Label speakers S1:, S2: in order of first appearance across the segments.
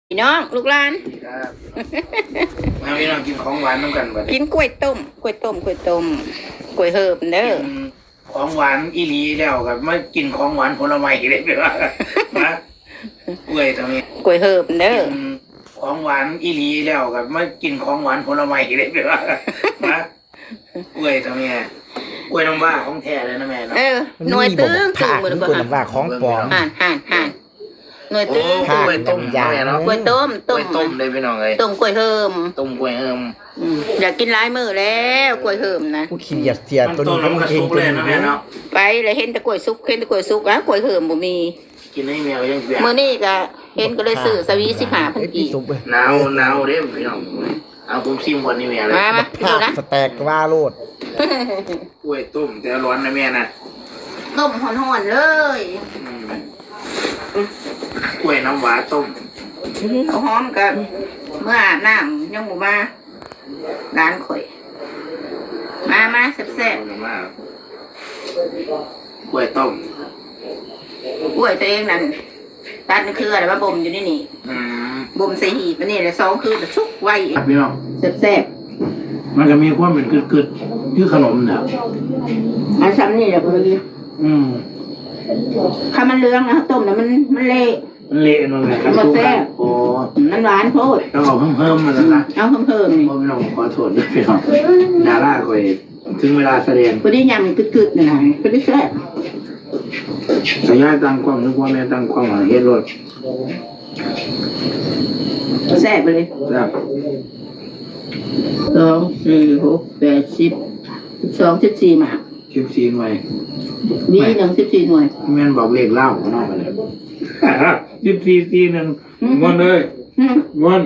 S1: พี่น้องลูกหลาน
S2: ครับมาพี่น้องกินของหวานน้ำกันบ่ได้
S1: กินกล้วยต้มกล้วยเหิบเด้อ
S2: กินของหวานอีหลีแล้วกับมากินของหวานผลไม้เลยดีกว่านะกล้วยทำไม
S1: กล้วยเหิบเด้อ
S2: กินของหวานอีหลีแล้วกับมากินของหวานผลไม้เลยดีกว่านะกล้วยทำไมกล้วยน้ำว้าของแท้เลยนะแม่เนาะ
S1: หน่วยตึ้ง
S3: ผักกล้วยน้ำว้าของปลอม
S1: ห่านหน่วยตึ้ง
S2: กล้วยต้มยาเนาะ
S1: กล้วยต้ม
S2: เลยพี่น้องเลย
S1: ต้มกล้วยเหิมอยากกินหลายมื้อแล้วกล้วยเหิมนะ
S3: กูขี้เกียจเสียตัวนี้ก็มันเอง
S2: เลยนะแม่เนาะ
S1: ไปเลยเห็นแต่กล้วยสุกอ่ะกล้วยเหิมบ่มี
S2: กินให้แมวยังเสีย
S1: มื้อนี้ก็เห็นก็เลยซื้อสวี15พันกี
S2: หนาวเด้พี่น้องเอาผมซิมวันนี้แม่เลย
S1: มาดูนะ
S3: สแต็กว่าโลด
S2: กล้วยต้มแต่ร้อนนะแม่นะ
S1: ต้มห่อนๆเลย
S2: กล้วยน้ำว้าต้ม
S1: เขาหอมกันเมื่ออาบน้ำยังหมูมาร้านข่อยมาแซ่บ
S2: กล้วยต้ม
S1: กล้วยตัวเองนั่นตัดนี่คืออะไรว่าบ่มอยู่นี่บ่มใส่หีบนี่แหละ2คือชุกไว้
S2: พี่น้อง
S1: แซ่บ
S2: มันก็มีความเป็นกึดคือขนมเนี่ย
S1: อันซ้ำนี่แหละพอดีถ้ามันเหลืองนะต้มนะมันเละ
S2: มันเลย
S1: ครับแซ่บโอ้มันหวานโพด
S2: แล้วเอาเพิ่มมาแล้วนะ
S1: เอาเพิ่มนี่
S2: พี่น้องขอโทษด้วยพี่น้องดาราคอยถึงเวลาแสดง
S1: พอดียำกึดๆนี่นะพอดีแซ่บ
S2: สายตั้งความนึกว่าแม่ตั้งความเฮ็ดรถ
S1: แซ่บไปเลย
S2: ครับ
S1: 2 4 6 8 10 12 14หมาก
S2: 14หน่วย
S1: มี14หน่วย
S2: แม่นบอกเลขเล่าของน้องไปเลย14 1วนเลยวน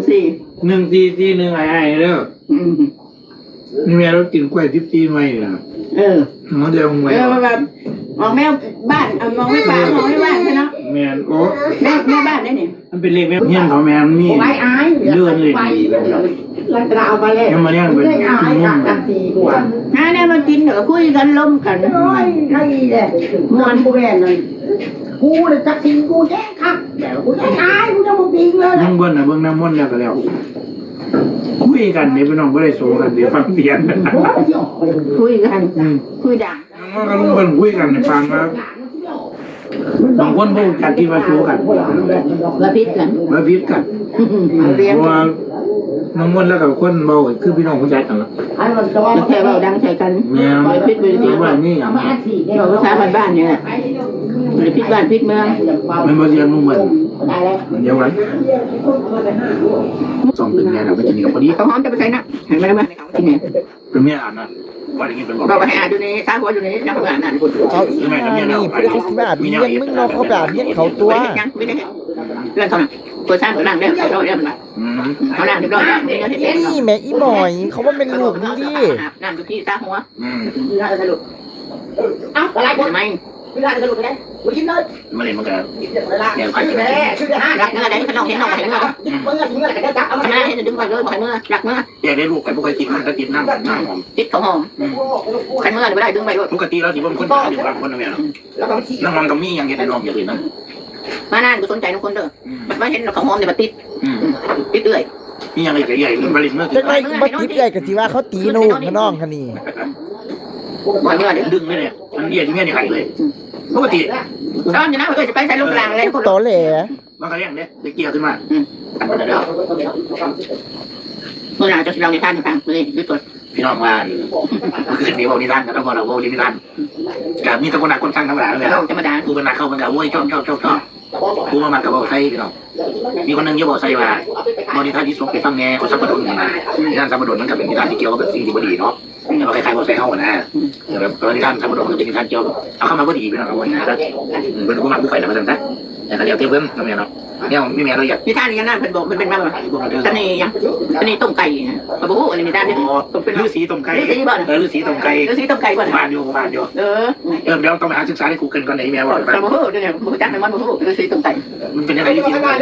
S2: 14 ไอ้เด้อนี่แม่เรากินกล้วย14หน่วยนะมันเดียวหน่วย
S1: แบบมองแม่บ้านมองไม่ป่ามองไม่บ้านใช่เนาะ
S2: แม่โอ้
S1: แม่บ้านได้เนี่ย
S2: มันเป็นเลขแม่เฮียนเขาแม่มีเลื่อนเลย
S1: เราจะเอาไปเลย
S2: ยังมาเลี้ยงเป็นกินนุ่ม
S1: ถ้าเนี่ยมากินเดี๋ยวคุยกันล้มกัน
S4: โอ้ยใครเนี่ยมวนกูแม่เลยกูเลยจักสิงกูแจ้งครับเดี๋ยวกูจะตายกูจะมาปิงเลย
S2: นั่งเบิ้ลนะเบิ้งน้ำมันแล้วก็แล้วคุยกันเดี๋ยวพี่น้องไม่ได้โซ่กันเดี๋ยวฟังเสียง
S1: คุยกันคุยด่า
S2: มันก็รู้กันคุยกันในฟังนะบางคนพวกจัดที่มาโซ่กัน
S1: ระพิดกัน
S2: เพราะว่าน้องมนแล้วกับคนเบาคือพี่น้องคนใจกันละ
S1: แค่เบาดังใส่กัน
S2: ไม่พิษไปที่ว่านี่อย่าง
S1: เราก็ใช้บ้านเนี่ยหรือพิษบ้านพิษเมือง
S2: ไม่มาเรียนนุ่มเหมือนเดียวกันสองตึงเนี่ยเราไปกินกับพอดี
S1: เขาหอมจะไปใช้นะเห็นไหมล่ะที่ไหน
S2: เป็นเมียอ่านนะว่าอย่างนี้เป็น
S1: บอกไปอ่านอยู่ในซาหัวอยู่ในนักอ่านคุณ
S3: เอาอีกนี่พูดเขาสิแบบเงี้ยมึงนอกเขาแบบเงี้ยเขาตัว
S1: ยังไม่ได้เรื่องเขาตัวสร้างตัวนั่งได้เขาเรียกมันเขานั่งเรียบร้อยแล้ว
S3: นี่แม่อีบ่อยเขาว่าเป็นลูกนี่ดิ
S1: นั่งอยู่ที่ซาหัวน่าจะสรุปเอ้าอะไรกันไหมไม่ได้สรุปไงกูกินเลย
S2: มาเลยมันก็เนี่ยใครจะ
S1: รักเมื่อได้ขนมเห็นนมเห็นเมื่อก็จับเอามาให้ดึงไปเลยเมื่อรักเมื่อ
S2: อยากได้ลูกไก่พวกใครกินมันก็กินน้ำหอม
S1: ติดของหอมขันเมื่อไม่ได้ดึงไปด้วย
S2: ปกติเราถือว่าคนตายอยู่บางคนนะแม่เนาะน้ำมันกับมีอย่างเงี้ยในนมอย่างอื่นนะ
S1: มานั่นกูสนใจทุกคนเด้อมันเห็นของหอมเนี่ยมันติดเอื่อย
S2: มีอย่างใหญ่ๆบริเวณเมื่อ
S3: จะได้มาติดใหญ่กับที่ว่าเขาตีนูกน้องคันนี้
S1: บ่อยเมื่อ
S2: ดึงเลยเนี่ยมันเรียนที่แม่เนี่ยไข่เลยปกติ
S1: ตอนนี้นะจะไปใส่ลูกกลางเลย
S3: ต่อแหล่
S2: มันก็เรียกเนี่ยเด็กเกี่ยวขึ้นมาเ
S1: มื่อไหร่จะเราในท่านฟังเลยด้วยตัว
S2: พี่น้องว่าคือเดี๋ยวเราในท่านแล้วพอเราโว้ในท่านกับมีตะคนหนักคนตั้งธรรมดาเลย
S1: ธรรมดา
S2: กูเป็นนักเข้ามันกับโว้ยชอบกูมากับโว้ไทยพี่น้องมีคนนึงเยอะบอกไทยว่าบริษัทที่ส่งไปฟังแง่ของสัมปทานท่านสัมปทานมันกับเป็นนิทานที่เกี่ยวกับสิ่งที่ดีเนาะเราคล้ายๆบอไซเฮานะแล้วนิทานสัมปทานมันเป็นนิทานเกี่ยวเอาเข้ามาก็ดีพี่น้องเอาไว้นะเป็นผู้มาผู้ใฝ่แล้วมาตั้งแต่แต่เดี๋ยวเทียบเพิ่มทำไมเนาะเนี่ยไม่มีอะไรอยาก
S1: นิทานยังนั่นเป็นบอกมันเป็นแบบตอนนี้ยังตอนนี้ต้มไก่นะกระบุกอันนี้นิทานเนี่ย
S2: เป็นฤาษีต้มไก่
S1: ฤาษีบ้าน
S2: ฤาษีต้มไก่
S1: ก่อน
S2: บ้านอยู่เดี๋ยวต้องไปหาศึกษาในกูเกิลก่อนไหนแม่บอก
S1: กระบุกเนี่ยบุกจักในมันบุกฤาษีต้มไก่
S2: มันเป็นอะไรที่ดีมาก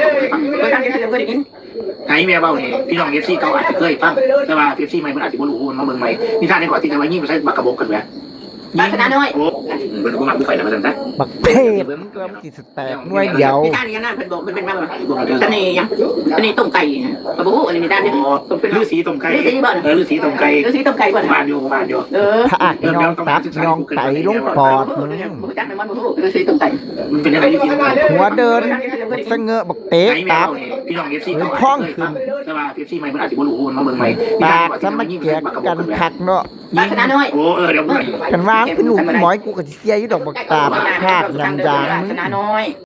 S2: ไอ้แม่เบ้าเนี่ยพี่น้องเอฟซีเขาอาจจะเคยฟังแต่ว่าเอฟซีใหม่มันอาจจะไม่รู้มันมาเบิ่งใหม่นิทานในก่อนที่จะมายิ่งใช้บักกระบอกกันแหว
S1: บ้านชนะน้อย
S2: โอ้เพิ่นบ่มาผู้ข่อยน่ะว่าซั่นซะ
S3: บักเทพมึงก็มันสิสแตกหน่วยเดียว
S1: พี่ท่านนี่นะเพิ่นบอกมันเป็นมาเสน่ห์ยังเสน่ห์ต้มไก่นะกระบุอันนี้มีด้านนี้เป็น
S2: ฤาษีต้มไก่
S1: ฤาษีบ่
S2: ฤาษีต้มไก่
S1: ฤาษีต้มไก่บ่
S2: บ้านอยู่บ้านอยู่
S3: ถ้าอักยองตับยองไตลงปอดมึง
S1: บ่จักมันบ่รู้ฤาษีต้มไก่
S2: มันเป็นอะไรที่กิน
S3: หัวเดินเสงอะบักเตะ
S2: ไก่แม
S3: ตั
S2: ว
S3: บ
S2: นี่พี่น้อง FC
S3: พ่องขึ้น
S2: แต่ว่า FC ใหม่เพิ่นอาจสิบ่รู้มาเบิ่งใหม่
S3: ปากสมันเกียกกันคักเนาะ
S1: บ้านชนะน้อย
S2: โอ้เดี๋ยว
S3: กันว่าเป็นลูกหมอยกูก็สิเสียอยู่ดอกบักตาบคาดยางมึง
S1: ชนะน้อย